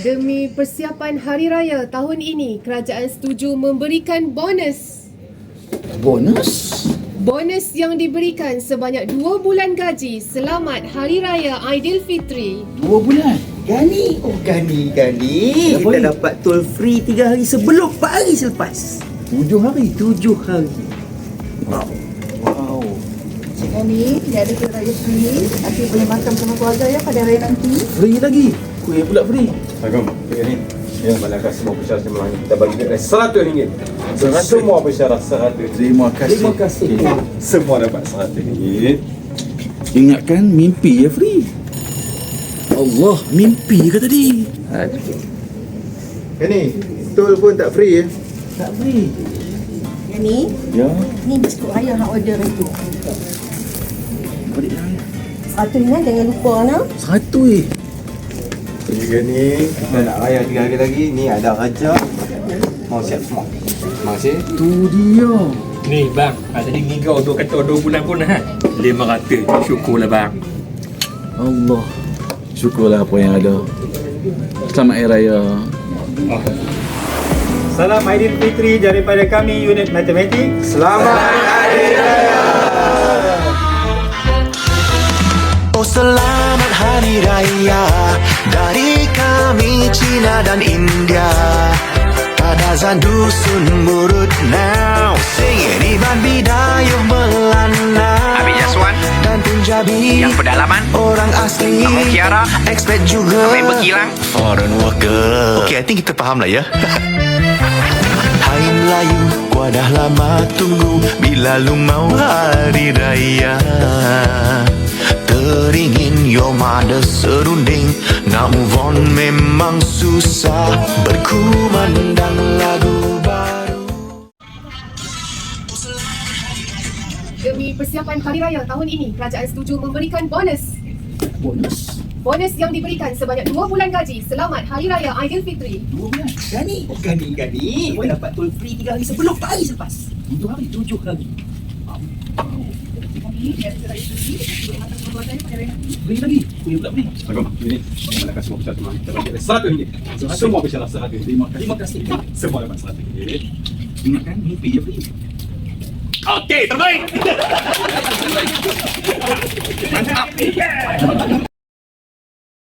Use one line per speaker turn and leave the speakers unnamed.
Demi persiapan Hari Raya tahun ini, kerajaan setuju memberikan bonus.
Bonus?
Bonus yang diberikan sebanyak 2 bulan gaji selamat Hari Raya Aidilfitri.
2 bulan?
Gani. Oh, gani. Kita dapat toll free 3 hari sebelum 4 hari selepas.
7 hari?
7 hari.
Wow.
Cik Gani, dia ada Hari Raya free. Nanti boleh makan sama keluarga ya pada hari nanti.
Free lagi? Kuih pula free?
Assalamualaikum. Tiga ni. Ya, malangkan semua pesyarat yang melanggar. Kita bagi dia RM100. Semua pesyarat RM100.
Terima kasih.
Terima kasih.
Semua dapat RM100.
Ingatkan mimpi ya free. Allah, mimpi ke tadi?
Ni, tol pun tak free ya.
Tak free.
Gani,
Ya.
ni biskut raya hang order itu.
Balik dah.
100 ni jangan lupa nak.
100
Tiga ni, kita nak raya 3 hari lagi. Ni ada raja. Mau siap semua. Terima kasih.
Tu dia.
Ni bang, tadi ngigau tu kata 2 bulan pun ha. 500. Syukurlah bang.
Allah. Syukurlah apa yang ada. Selamat Hari Raya.
Salam Aidilfitri daripada kami unit matematik.
Selamat Hari Raya.
Oh selamat Hari Raya dari kami Cina dan India. Kadazan dusun murut now singing Iban Bidayuh Belanda
Habib Yaswan
dan Punjabi
yang pedalaman,
orang asli
Kamu Kiara,
expert juga
Habib Berkilang.
foreign worker. Okay, I think kita faham lah ya. Hai Melayu, gua dah lama tunggu bila lu mau hari raya. Teringin your mother serunding, nak move on memang susah, berkumandang lagu baru.
Demi persiapan Hari Raya tahun ini, kerajaan setuju memberikan bonus.
Bonus?
Bonus yang diberikan sebanyak 2 bulan gaji selamat Hari Raya Aidilfitri.
2 bulan?
Gani. Oh, gani. Kita dapat toll free 3 hari sebelum 4 hari selepas.
7 hari?
7 hari.
Free lagi? Kuih pula free?
Assalamualaikum. Tiga ni, malangkan semua pesyarat yang melanggar. Kita bagi dia RM100. Semua pesyarat RM100.
Terima kasih.
Semua dapat RM100.
Ingatkan mimpi ya free.
Okey, terbaik. Mantap.